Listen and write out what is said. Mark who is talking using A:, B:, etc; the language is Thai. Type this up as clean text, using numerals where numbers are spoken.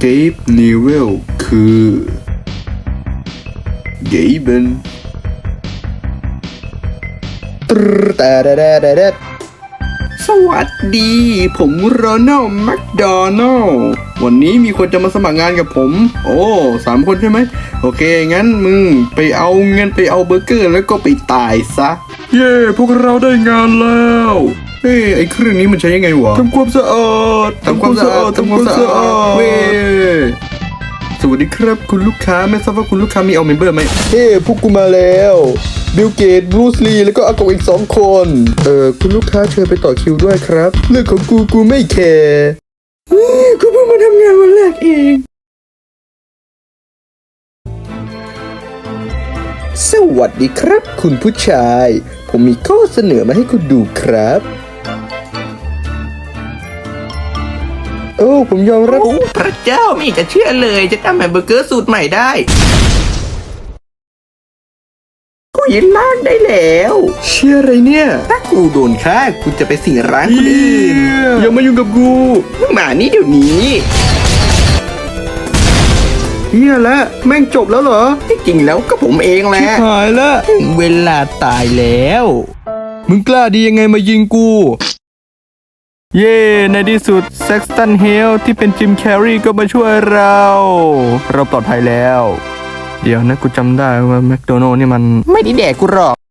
A: เกฟนิเวลคือเกเบนสวัสดี ผมโรนัลด์แมคโดนัลด์วันนี้มีคนจะมาสมัครงานกับผม โอ้3 คนใช่ไหมโอเค งั้นมึงไปเอาเงินไปเอาเบอร์เกอร์แล้วก็ไปตายซะ เย้พวกเราได้งานแล้วเฮ้ยไอ้เครื่องนี้มันใช้ยังไงวะทำความสะอาดเว้ยสวัสดีครับคุณลูกค้าไม่ทราบว่าคุณลูกค้ามีเอาเมมเบอร์ไหมเฮ้พวกกูมาแล้วบิลเกตบรูซลีแล้วก็อากงอีก2 คนคุณลูกค้าเชิญไปต่อคิวด้วยครับเรื่องของกูไม่แคร์กูเพิ่งมาทำงานวันแรกเองสวัสดีครับคุณผู้ชายผมมีข้อเสนอมาให้คุณดูครับโอ้ผมยอมรับ
B: พระเจ้าไม่จะเชื่อเลยจะทำแฮมเบอร์เกอร์สูตรใหม่ได้กูยินล่างได้แล้ว
A: เชื่ออะไรเนี่ย
B: ถ้ากูโดนฆ่ากูจะไปสิงร้านคนอื่น
A: อย่ามายุ่งกับกู
B: มึงมานี่เดี๋ยวนี้
A: เฮียแล้วแม่งจบแล้วเหรอ
B: ที่จริงแล้วก็ผมเองแหละ
A: หายแล้ว
B: ถึงเวลาตายแล้ว
A: มึงกล้าดียังไงมายิงกูเย่ในที่สุดเซ็กซ์ตันเฮลที่เป็นจิมแคร์รีก็มาช่วยเราปลอดภัยแล้วเดี๋ยวนะกูจำได้ว่าแมคโดนัลด์นี่มัน
B: ไม่ได้แดกกูหรอก